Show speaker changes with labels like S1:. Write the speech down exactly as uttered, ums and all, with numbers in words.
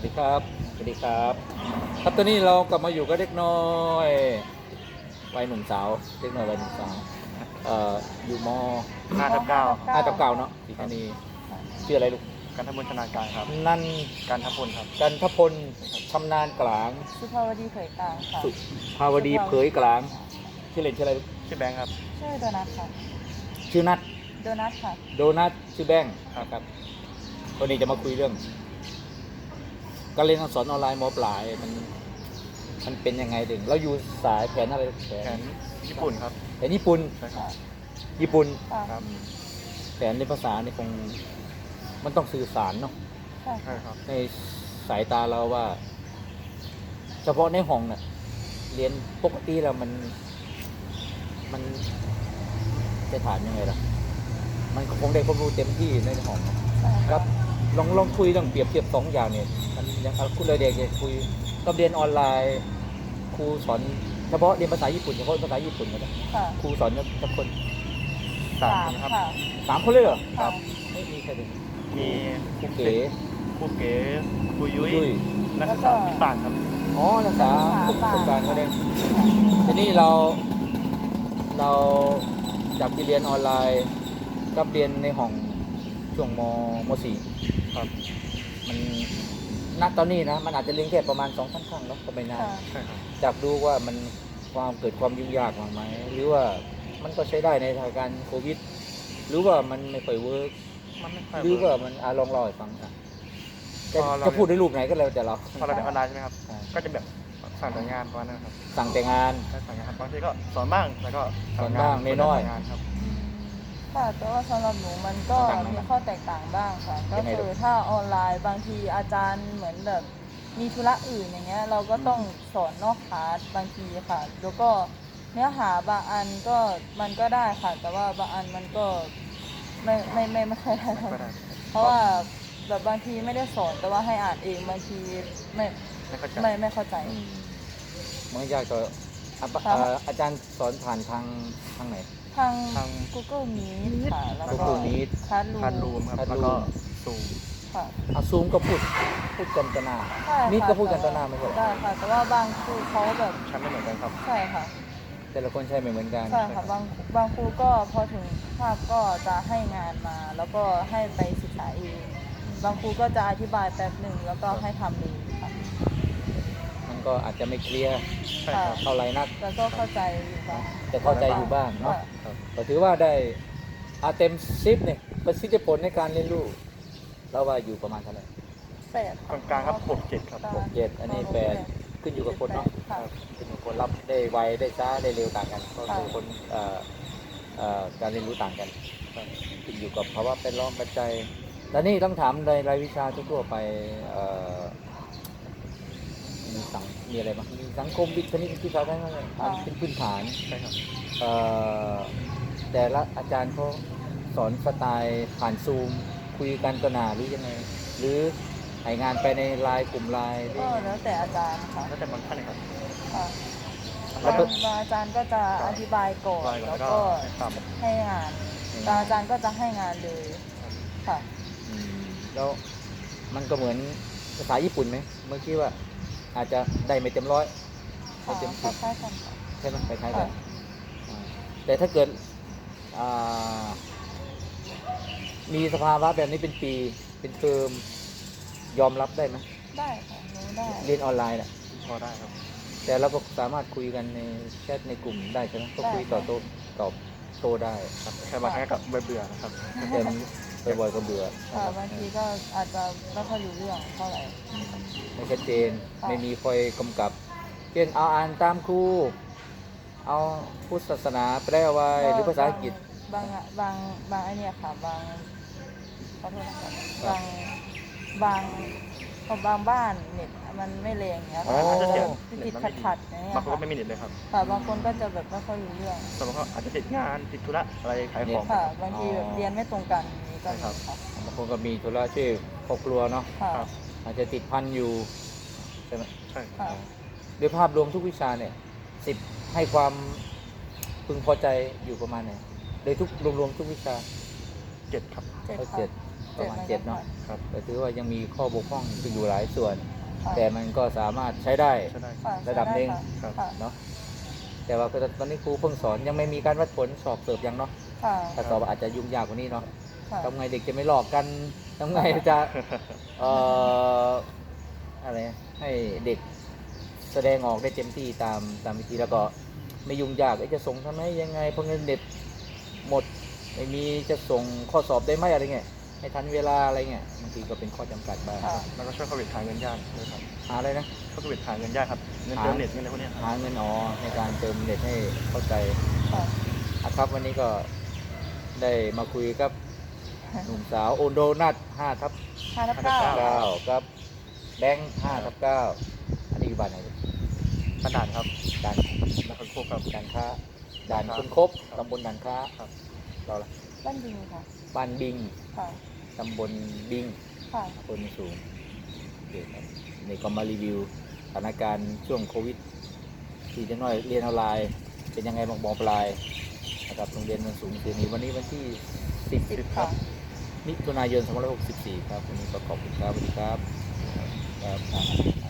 S1: ดีครับสวัสดีครับครับตอนนี้เรากลับมาอยู่กับเด็กน้อยวัยหนุ่มสาวเด็กน้อยวัยหนุ่มสาวเอ่ออยู่ม
S2: ห้าทับเก้า
S1: ห้ากับเก้าเนาะที่ธานีชื่ออะไรลูก
S2: การทำบุญชนาการครับ
S1: นั่น
S2: การทับพลครับ
S1: กันทพลชำนาญกลาง
S3: สุภาวดีเผยกลางค่ะ
S1: สุภาวดีเผยกลางชื่อเล่นชื่ออะไรลูก
S2: ชื่อแบงค์ครับ
S3: ชื่อโดนัทค่ะ
S1: ชื่อนัท
S3: โดนัทค่ะ
S1: โดนัทชื่อแบงค์นะครับวันนี้จะมาคุยเรื่องการเรียนการสอนออนไลน์มปลายมันมันเป็นยังไงถึงเราอยู่สายแผนอะไรแผ
S2: แผ
S1: น
S2: นญี่ปุ่นครับ
S1: แผนญี่ปุ่น
S2: ใช่ครับ
S1: ญี่ปุ่น
S3: ค่ะ
S2: ครับ
S1: แผนในภาษานี่คงมันต้องสื่อสารเนาะ
S3: ค่ะ
S2: ใช่ครับ
S1: ในสายตาเราว่า เฉพาะในห้องน่ะเรียนปกติแล้วมัน มันจะถามยังไงล่ะ มันคงได้ความรู้เต็มที่ในห้องเนอะ
S3: ใช่
S1: ครับลองลองคุยลองเปรียบเทียบสองอย่างเนี่ยมันยังเอาคุณเลยเด็กจะคุยกับเรียนออนไลน์ครูสอนเฉพาะเรียนภาษาญี่ปุ่นเฉพาะภาษาญี่ปุ่นนะ
S3: ค่ะ
S1: ครูสอนกับคน
S2: สามคนครับ
S3: ค่ะ
S1: สามคนเลยเหรอ
S3: ค่ะ
S1: ไม่มีใครเลย
S2: มี
S1: ครูเก๋
S2: ครูเก๋ครูยุ้ย
S1: ยุ้ย
S2: นักศึกษาพิบาลครับ
S1: อ๋อนักศึกษาประสบการณ์ก็ได้ทีนี้เราเราจากที่เรียนออนไลน์กับเรียนในห้องช่วงมมสี่
S2: ครับ
S1: มันณตอนนี้นะมันอาจจะเรียนแค่ประมาณสองสามครั้งแล้วก็ไม่นาน
S3: ค่ะ
S2: ใช่ครับ
S1: จากดูว่ามันความเกิดความยุ่งยากมากไหมหรือว่ามันก็ใช้ได้ในสถานการณ์โควิด หรือว่ามันไม่ค่อยเวิร์ก
S2: มันไม่ค่อย
S1: หรือว่ามันอาลองเล่าให้ฟังอ่ะจะ
S2: พอเรา
S1: จะพูดในรูปไหนก็แล้วแต่เรา
S2: พอเราเรียนออนไลน์ใช่ไหมครับ
S1: อ่า
S2: ก็จะแบบสั่งแต่งานประมาณนั้นครับ
S1: สั่งแต่งาน
S2: ใช่สั่งงานบางทีก็สอนบ้างแล้วก็
S1: สอนบ้างน้อยๆ
S2: งานครับ
S3: ค่ะแต่ว่าสำหรับหนูมันก็
S1: ต่างๆ
S3: มีข้อแตกต่างบ้างค่ะ ก็
S1: ยังไง
S3: คือถ้าออนไลน์บางทีอาจารย์เหมือนแบบมีธุระอื่นอย่างเงี้ย เราก็ต้องสอนนอกคลาสบางทีค่ะ แล้วก็เนื้อหาบางอันก็มันก็ได้ค่ะ แต่ว่าบางอันมันก็ไม่ไม่ไม่ไม่ค่อยได้
S2: ก็ได้
S3: เพราะว่าแบบบางทีไม่ได้สอนแต่ว่าให้อ่านเองบางทีไม่
S2: ไม่เข้าใจ
S3: ไม่ไม่เข้าใจ
S1: มันก็ยากต่ออ่ะปะ
S3: ครับ
S1: เอ่ออาจารย์สอนผ่านทางทางไหน
S3: ทาง
S2: ทาง
S3: Google Meet ค่ะ แล้วก็
S1: Google Meet
S3: คัส
S2: พันรู
S3: รู
S2: มครับ
S1: พันรูม
S2: แล้วก็ซูม
S3: ค่ะ
S1: อาซูมก็พูดพูดกันต่อหน้า
S3: ใช่ค่ะ
S1: นี่ก็พูดกันต่อหน้าไม่ใช่เหรอ
S3: ได้ค่ะ แต่ว่าบางครูเขาแบบ
S2: ใช้ไม่เหมือนกันครับ
S3: ใช่ค่ะ
S1: แต่ละคนใช้ไม่เหมือนกัน
S3: ใช่ค่ะบางบางครูก็พอถึงภาพก็จะให้งานมา แล้วก็ให้ไปศึกษาเองบางครูก็จะอธิบายแป๊บหนึ่งแล้วก็ให้ทำเองค่ะ
S1: มันก็อาจจะไม่เคลียร์
S2: ใช่ครับ
S1: เท่าไหร่นัก
S3: แล้วก็เข้าใจอยู่บ้าง
S1: แต่เข้าใจอยู่บ้างเนาะ
S3: ค่ะ
S1: ก็ถือว่าได้อาเต็มซิปเนี่ยประสิทธิผลในการเรียนรู้เราว่าอยู่ประมาณเท่าไหร่
S3: แปด
S2: กลางๆครับหกเจ็ดครับ
S1: หกเจ็ดอันนี้แปดขึ้นอยู่กับคนเนาะ
S3: ค่ะ
S1: ขึ้นอยู่กับคนรับได้ไวได้ช้าได้เร็วต่างกันก็คือคนเอ่อเอ่อการเรียนรู้ต่างกันขึ้นอยู่กับภาวะเป็นล้อมปัจจัยแล้วนี่ต้องถามในรายวิชาทั่วๆไปเอ่อมีสังมีอะไรบ้างมีสังคมวิทย์คณิตวิทยาศาสตร์ทั้งนั้นเลยอ่านเป็นพื้นฐาน
S2: ใช่ครับ
S1: เอ่อแต่ละอาจารย์เขาสอนสไตล์ผ่านซูมคุยกันต่อหน้าหรือยังไง หรือให้งานไปในไลน์กลุ่มไลน์หรือ
S3: ก็แล้วแต่อาจารย์ค่ะ
S2: แล้วแต่บางท่านนะครับ
S3: ค่ะ
S1: แล้ว
S3: บาง
S1: ก็
S3: บางอาจารย์ก็จะอธิบายก่อน
S2: อธิบายก่อน
S3: แล้ว
S2: แล้วก็
S3: ก็
S2: ตาม
S3: ให้งานบางอาจารย์ก็จะให้งานเลยค่ะ
S1: อืมแล้วมันก็เหมือนภาษาญี่ปุ่นไหมเมื่อกี้ว่าอาจจะได้ไม่เต็มร้อยไม่
S3: ค่ะ
S1: เต็ม
S3: ค
S1: สิบ
S3: ล้ายๆกันค่ะ
S1: ใช่ไหมคล้ายๆกัน
S3: ค่ะ
S1: อ่าแต่ถ้าเกิดอ่ามีสภาวะแบบนี้เป็นปีเป็นเทอมยอมรับได้ไหม
S3: ได้ค่ะรู้ได้
S1: เรียนออนไลน์น่ะ
S2: พอได้ครับ
S1: แต่เราก็สามารถคุยกันในแชทในกลุ่มได้ใช่ไหมก็คุยต่อโต้ตอบโต้ได้
S2: ครับแค่บางครั้งก็เบื่อๆนะครับ
S1: แต่มันบ่อยๆก็เบื่อ
S3: ค่ะบางทีก็อาจจะไม่ค่อยรู้เรื่องเท่าไหร่
S1: อืมไม่ชัดเจน
S3: ค่ะ
S1: ไม่มีคอยกำกับเช่นเอาอ่านตามครูเอาพุทธศาสนาแปลไว้หรือภาษาอังกฤษ
S3: บางบางบางไอเนี่ยค่ะบางขอโทษนะคะบางบางของบางบ้านเน็ตมันไม่แรงเงี้ย
S1: อ๋
S3: ค่ะ
S1: อ
S3: อาจจะ
S2: เน็ต
S3: ติด
S2: มัน
S3: ขั
S2: ไม่
S3: ด
S2: ดี
S3: ขัดๆอย่างเงี้ย
S2: บางคนก็
S3: ค่ะ
S2: ไม่มีเน็ตเลยครับ
S3: ค่ะบางคนก็จะแบบไม่ค่อยรู้เรื่อง
S2: สมมติว่าอาจจะติดงานติดธุระอะไรขายของ
S3: ค่ะ บางทีแบบเรียนไม่ตรงกันอย่างนี้ก็มี
S2: ใช่ครับ
S3: ค่ะ
S1: บางคนก็มีธุระช่วยครอบครัวเนาะ
S3: ค่ะ
S2: ครับ
S1: อาจจะติดพันอยู่ใช่ไหม
S2: ใช่
S3: ค่ะ
S1: โดยภาพรวมทุกวิชาเนี่ยสิบให้ความพึงพอใจอยู่ประมาณไหนโดยทุกรวมๆทุกวิชา
S2: เจ็ดครับ
S3: เจ็ด
S1: ก็
S3: ค่ะ
S1: เจ็ดประมาณเจ็ดเนาะ
S2: ครับ
S1: ก็ถือว่ายังมีข้อบกพร่องอยู่หลายส่วน
S3: คค่ะ
S1: แต่มันก็สามารถใช้ได้
S2: ใช่ได้
S3: ค่ะ
S1: ระดับหนึ่ง
S2: ครับ
S3: ค่ะ
S1: เนาะแต่ว่าก็ตอนนี้ครูเพิ่งสอนยังไม่มีการวัดผลสอบเสิร์ฟยังเนาะ
S3: ค่ะ
S1: ถ้าสอบอาจจะยุ่งยากกว่านี้เนาะ
S3: ค่ะ
S1: ทำไงเด็กจะไม่หลอกกันทำไงจะเอ่ออะไรให้เด็กแสดงออกได้เต็มที่ตามตามวิธีแล้วก็ไม่ยุ่งยากเอ๊ะจะส่งทำไมยังไงเพราะเงินเด็ดหมดไม่มีจะส่งข้อสอบได้ไหมอะไรเงี้ยให้ทันเวลาอะไรเงี้ยบางทีก็เป็นข้อจำกัดบ้าง
S3: ค่ะ
S2: แล้วก็ช่วยโควิดหาเงินยากด้วยครับ
S1: หาอะไรนะ
S2: ช่วยโควิดหาเงินยากครับเงินเติมเน็ตเงินอะไรพวกเนี้ยครับ
S1: หาเงินอ๋อในการเติมเน็ตให้เข้าใจ
S3: ค่ะ
S1: อ่ะครับวันนี้ก็ได้มาคุยกับหนุ่มสาวโอนโดนัทห้าทับ
S3: ห้าทับเก้า
S1: เก้ากับแบงค์ห้าทับเก้าอันนี้อยู่บ้านไหนลูก
S2: บ้านด่านครับ
S1: ด่าน
S2: แล้วคนโคกครับ
S1: ด่านค้าด่านคุณคบตำบลด่านค้า
S2: ครับ
S1: เราละ
S3: บ้านดิงค่ะ
S1: บ้านบิง
S3: ค่ะ
S1: ตำบลบิง
S3: ค่ะ
S1: คนสูงโอเคครับนี่ก็มารีวิวสถานการณ์ช่วงโควิด ที่จะน้อยเรียนออนไลน์ เป็นยังไงบางบองปลายนะครับโรงเรียนมันสูงคืนนี้วันนี้วันที่สิบ
S3: สิบ
S1: ครั
S3: ค่ะ
S1: บมิถุนายนสองพันห้าร้อยหกสิบสี่ครับวันนี้ก็ขอบคุณครับสวัสดีครับครับ